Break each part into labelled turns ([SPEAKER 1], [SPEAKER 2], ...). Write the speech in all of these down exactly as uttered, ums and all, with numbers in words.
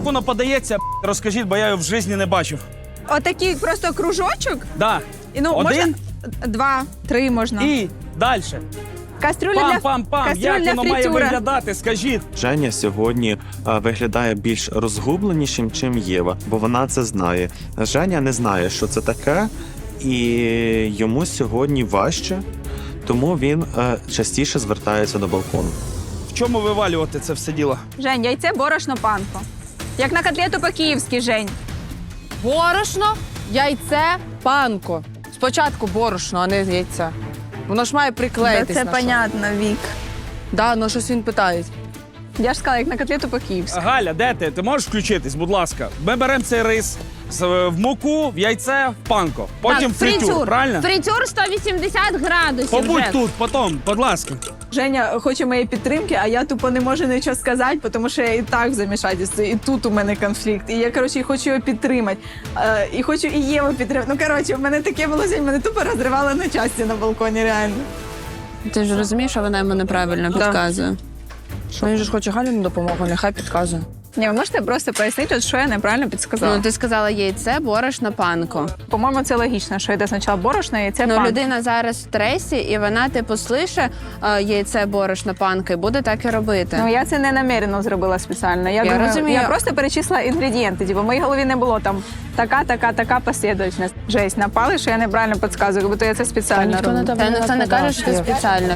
[SPEAKER 1] воно подається, розкажіть, бо я його в житті не бачив.
[SPEAKER 2] Отакий просто кружочок.
[SPEAKER 1] Да.
[SPEAKER 2] І, ну,
[SPEAKER 1] Один.
[SPEAKER 2] можна два, три можна.
[SPEAKER 1] І далі.
[SPEAKER 2] Кастрюля для,
[SPEAKER 1] Пам-пам-пам.
[SPEAKER 2] кастрюля
[SPEAKER 1] Як
[SPEAKER 2] для
[SPEAKER 1] воно має
[SPEAKER 2] фритюра.
[SPEAKER 1] виглядати, скажіть.
[SPEAKER 3] Женя сьогодні а, виглядає більш розгубленішим, чим Єва, бо вона це знає. Женя не знає, що це таке, і йому сьогодні важче, тому він е, частіше звертається до балкону.
[SPEAKER 1] В чому вивалювати це все діло?
[SPEAKER 2] Жень, яйце, борошно, панко. Як на котлету по-київськи, Жень.
[SPEAKER 4] Борошно, яйце, панко. Спочатку борошно, а не яйце. Воно ж має приклеїтись
[SPEAKER 2] Це
[SPEAKER 4] на щось.
[SPEAKER 2] понятно, Вік.
[SPEAKER 4] Да, ну щось він питає.
[SPEAKER 2] Я ж сказала, як на котлету по-київськи.
[SPEAKER 1] Галя, де ти? Ти можеш включитись, будь ласка? Ми беремо цей рис з- в муку, в яйце, в панко. Потім
[SPEAKER 5] Так,
[SPEAKER 1] фритюр, правильно?
[SPEAKER 5] Фритюр сто вісімдесят градусів.
[SPEAKER 1] Побудь
[SPEAKER 5] вже.
[SPEAKER 1] тут, потім, будь ласка.
[SPEAKER 2] Женя хоче моєї підтримки, а я тупо не можу нічого сказати, тому що я і так в замішательстві, і тут у мене конфлікт. І я, коротше, хочу його підтримати. Е, і хочу і Єву підтримати. Ну, коротше, в мене таке було сьогодні, мене тупо розривало на часті на балконі, реально.
[SPEAKER 6] Ти ж розумієш, що вона йому неправильно підказує.
[SPEAKER 4] Він же ж хоче Галіну допомогу, нехай підказує.
[SPEAKER 2] Ні, ви можете просто пояснити, що я неправильно підсказала?
[SPEAKER 6] Ну, ти сказала яйце, борошно, панко.
[SPEAKER 2] По-моєму, це логічно, що йде спочатку борошно, яйце,
[SPEAKER 6] Ну,
[SPEAKER 2] панко.
[SPEAKER 6] людина зараз в стресі, і вона, типу, слише е, яйце, борошно, панко, і буде так і робити.
[SPEAKER 2] Ну, я це не намірено зробила спеціально. Я,
[SPEAKER 6] Я
[SPEAKER 2] думаю,
[SPEAKER 6] розумію.
[SPEAKER 2] я просто перечислила інгредієнти. Типу, в моїй голові не було там така, така, така послідовність. Жесть, напали, що я неправильно підказую, бо то я це спеціально роблю.
[SPEAKER 6] Та ніхто не каже, що ти спеціально.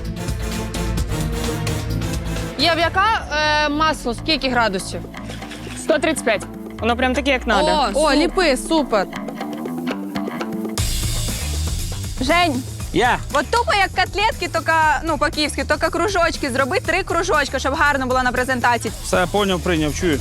[SPEAKER 4] Єв, яка е, масло, скільки градусів?
[SPEAKER 7] сто тридцять п'ять. Воно прям таке, як надо.
[SPEAKER 4] О, О ліпи, супер.
[SPEAKER 2] Жень,
[SPEAKER 1] Я.
[SPEAKER 2] от тупо як котлетки, тільки, ну, по-київськи, тільки кружочки. Зроби три кружочки, щоб гарно було на презентації.
[SPEAKER 1] Все, поняв, прийняв, чую.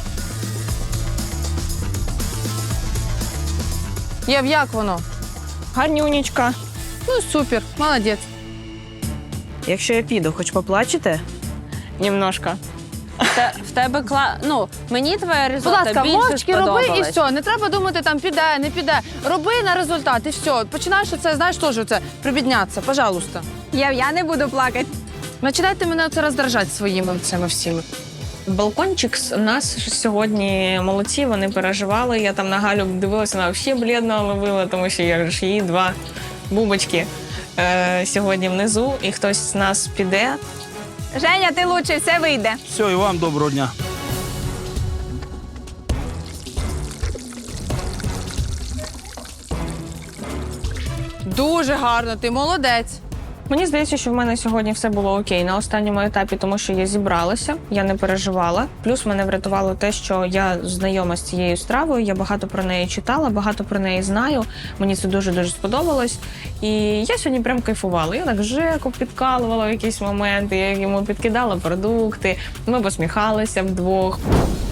[SPEAKER 4] Єв, як воно?
[SPEAKER 7] Гарнюнечка.
[SPEAKER 4] Ну, супер, молодець.
[SPEAKER 8] Якщо я піду, хоч поплачете?
[SPEAKER 7] Немножко.
[SPEAKER 6] Те- в тебе кла... Ну, мені твоя
[SPEAKER 4] Будь
[SPEAKER 6] ризотто
[SPEAKER 4] ласка,
[SPEAKER 6] більше
[SPEAKER 4] мовчки роби і
[SPEAKER 6] сподобалась.
[SPEAKER 4] все. Не треба думати, там піде, не піде. Роби на результат і все. Починаєш це, знаєш, теж це, прибіднятися, пожалуйста.
[SPEAKER 2] Я, я не буду плакати.
[SPEAKER 4] Починайте мене це роздражати своїми цими всіми.
[SPEAKER 7] Балкончик у нас сьогодні молодці, вони переживали. Я там на Галю дивилася, вона взагалі блідно ловила, тому що я ж її два бубочки е, сьогодні внизу, і хтось з нас піде.
[SPEAKER 2] Женя, ти лучший, все вийде.
[SPEAKER 1] Все, і вам доброго дня.
[SPEAKER 4] Дуже гарно, ти молодець.
[SPEAKER 7] Мені здається, що в мене сьогодні все було окей на останньому етапі, тому що я зібралася, я не переживала. Плюс мене врятувало те, що я знайома з цією стравою, я багато про неї читала, багато про неї знаю. Мені це дуже-дуже сподобалось. І я сьогодні прям кайфувала. Я так Жеку підкалувала в якісь моменти, я йому підкидала продукти, ми посміхалися вдвох.